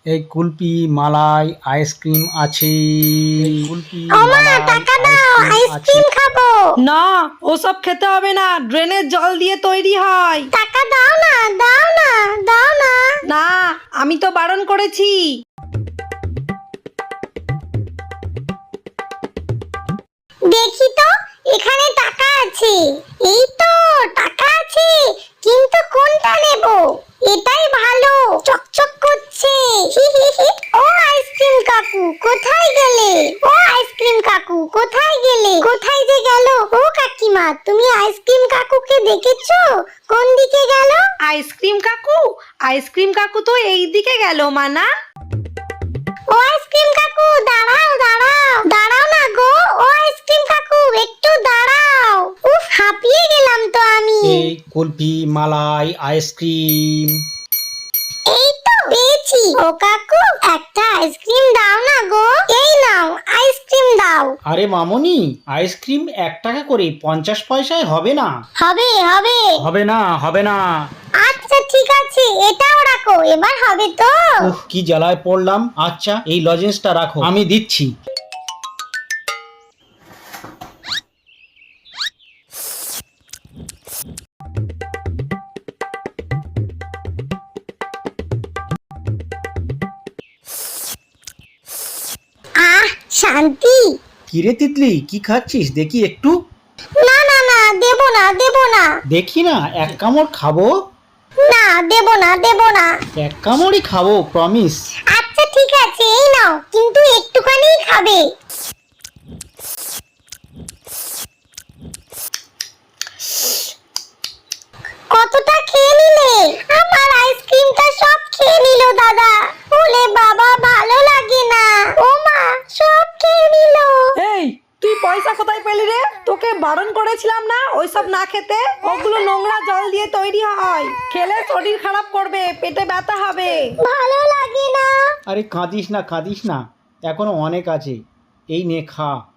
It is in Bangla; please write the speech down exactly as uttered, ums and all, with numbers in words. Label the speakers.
Speaker 1: এই কুলপি মালাই আইসক্রিম আছে। এই কুলপি
Speaker 2: ওমা
Speaker 1: মালাই
Speaker 2: টাকা দাও,
Speaker 1: আইসক্রিম আছে।
Speaker 2: আইসক্রিম খাবো।
Speaker 3: না, ওসব খেতে হবে না, ড্রেনের জল দিয়ে তৈরি হয়।
Speaker 2: টাকা দাও না, দাও না, দাও না।
Speaker 3: না, আমি তো বারণ করেছি।
Speaker 2: দেখি তো, এখানে টাকা আছে। এই তো টাকা আছে, কিন্তু কোনটা নেব? এটাই ভালো, চকচক করছে। হি হি হি। ও আইসক্রিম কাকু, কোথায় গেলে? ও আইসক্রিম কাকু, কোথায় গেলে? কোথায় যে গেল? ও কাকিমা, তুমি আইসক্রিম কাকুকে দেখেছো? কোন দিকে গেল?
Speaker 3: আইসক্রিম কাকু আইসক্রিম কাকু তো এই দিকে গেল মানা।
Speaker 2: ও আইসক্রিম কাকু, দাঁড়াও দাঁড়াও, দাঁড়াও না গো। ও আইসক্রিম কাকু, একটু দাঁড়াও। উফ, হাঁপিয়ে গেলাম তো আমি।
Speaker 1: এই কুলপি মালাই আইসক্রিম।
Speaker 2: এই তো পেয়েছি। ও কাকু, একটা আইসক্রিম দাও না গো। এই নাও, আইসক্রিম দাও।
Speaker 1: আরে মামনি, আইসক্রিম এক টাকা করে, পঞ্চাশ পয়সায় হবে না।
Speaker 2: হবে হবে।
Speaker 1: হবে না হবে না।
Speaker 2: আচ্ছা ঠিক আছে, এটাও রাখো, এবার হবে তো।
Speaker 1: উফ, কি জ্বালায় পড়লাম। আচ্ছা, এই লজেন্সটা রাখো, আমি দিচ্ছি।
Speaker 2: আহ, শান্তি।
Speaker 1: কিরে তিতলি, কি খাচ্ছিস দেখি একটু।
Speaker 2: না না না, দেব না দেব না।
Speaker 1: দেখি না, এক কামড় খাবো।
Speaker 2: না, দেব না দেব না।
Speaker 1: এক কামড়ই খাবো, প্রমিস।
Speaker 2: আচ্ছা ঠিক আছে, এই নাও, কিন্তু একটুখানি খাবে। কতটা খেয়ে নিলে? আমার আইসক্রিমটা সব খেয়ে নিল দাদা। ওলে বাবা, ভালো লাগে না। ও মা, সব খেয়ে নিল।
Speaker 3: এই, তুই পয়সা কোথায় পেলি রে? তোকে বারণ করেছিলাম না ওইসব না খেতে? ওগুলো নোংরা জল দিয়ে তৈরি হয়, খেলে শরীর খারাপ করবে, পেটে ব্যথা হবে।
Speaker 2: ভালো লাগে না।
Speaker 1: আরে কাঁদিস না কাঁদিস না, এখনো অনেক আছে। এই নে খা।